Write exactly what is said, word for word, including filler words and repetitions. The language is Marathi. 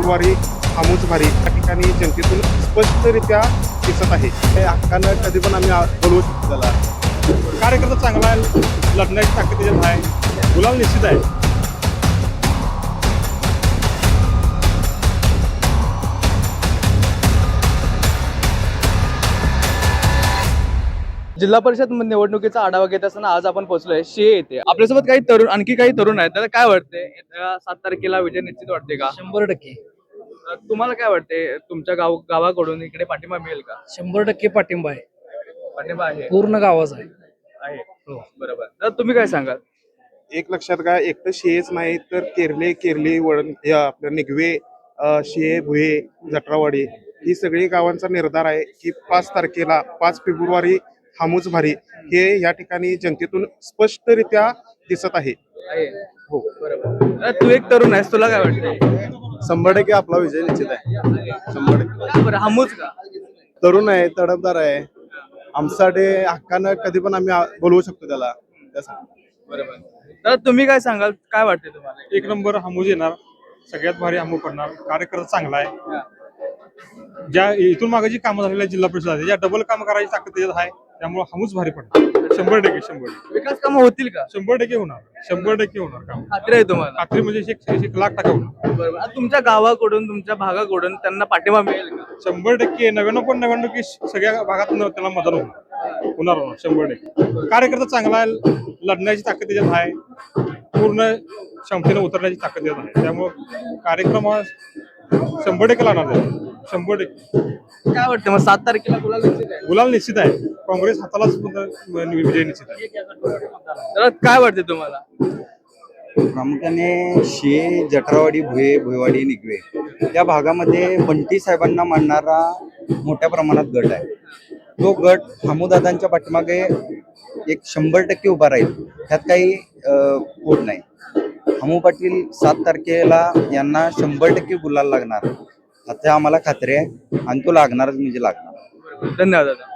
फेब्रुवारी हमूच भारी या ठिकाणी जनतेतून स्पष्टरित्या दिसत आहे. हे हक्कानं कधी पण आम्ही आ- बोलवू शकतो त्याला. कार्यकर्ता चांगला आहे, लढण्याची ताकद त्याच्यात आहे, गुलाल निश्चित आहे. जिल्हा परिषद निवडणुकीचा आढावा घेत असताना आज आपण पोहोचलोय शे येथे. आपल्यासोबत काही तरुण आणखी काही तरुण आहेत. त्याला काय वाटतंय येत्या सात तारखेला विजय निश्चित वाटते का? शंभर टक्के अ, तुम्हाला काय वाटते तुमच्या गाव गावाकडून इकडे पाठिंबा मिळेल का? शंभर टक्के पाठिंबा आहे. पाठिंबा आहे पूर्ण गावाचा आहे. आहे हो बरोबर. तर तुम्ही काय सांगाल? एक लक्षात घ्या, एकटं शेच नाही तर केरले केरली वळण या आपलं निगवे अ, शे भुये जटरावाडी ही सगळी गावांचा निर्धार आहे की पाच तारखेला पाच फेब्रुवारी हमूच भारी हे या ठिकाणी जनतेतून स्पष्टरित्या दिसत आहे. आहे हो बरोबर. अ, तू एक तरुण आहेस, तुला काय वाटतंय? शंभर टक्के आपला विजय निश्चित आहे. शंभर टक्के का बरं हमूच का? तरुण आहे, तडफदार आहे. आमच्यासाठी हक्कानं कधी पण आम्ही आ- बोलवू शकतो त्याला त्यासाठी. बरोबर. तर तुम्ही काय सांगाल? काय वाटते तुम्हाला? एक नंबर हमूज येणार, सगळ्यात भारी हमू पडणार. कार्यकर्ता चांगला आहे. ज्या इथून मागे जी कामं झालेली आहेत जिल्हा परिषद आहे, या डबल काम करायची ताकद त्याच्यात आहे. त्यामुळे हमूच भारी पडणार. शंभर टक्के शंभर टक्के विकास कामं होतील का? शंभर टक्के होणार. शंभर टक्के होणार काम. खात्री आहे तुम्हाला? खात्री म्हणजे एक एक लाख टक्का होणार. बरोबर. आता तुमच्या गावाकडून तुमच्या भागाकडून त्यांना पाठिंबा मिळेल का? शंभर टक्के नव्याण्णव पण नव्याण्णव की सगळ्या भागात न- त्याला मदत होणार होणार होणार शंभर टक्के. कार्यकर्ता चांगला आहे, लढण्याची ताकद त्याच्यात आहे, पूर्ण क्षमतेने उतरण्याची ताकद त्याच्यात आहे. त्यामुळे कार्यक्रम हा शंभर टक्के लागणार त्याला. शंभर टक्के काय वाटतं मग सात तारखेला गुलाल निश्चित आहे? गुलाल निश्चित आहे. काँग्रेस हातालाच विजय निश्चित आहे. तर काय वाटते तुम्हाला? प्रामुख्याने शे जठरावाडी भुये भुयवाडी निगवे या भागामध्ये बंटी साहेबांना मानणारा मोठ्या प्रमाणात गट आहे. तो गट हमूदादांच्या पाठीमागे एक शंभर टक्के उभा राहील, त्यात काही खोट नाही. हमू पाटील सात तारखेला यांना शंभर टक्के गुलाल लागणार, आता आम्हाला खात्री आहे आणि तो लागणारच म्हणजे लागणार. धन्यवाद दादा.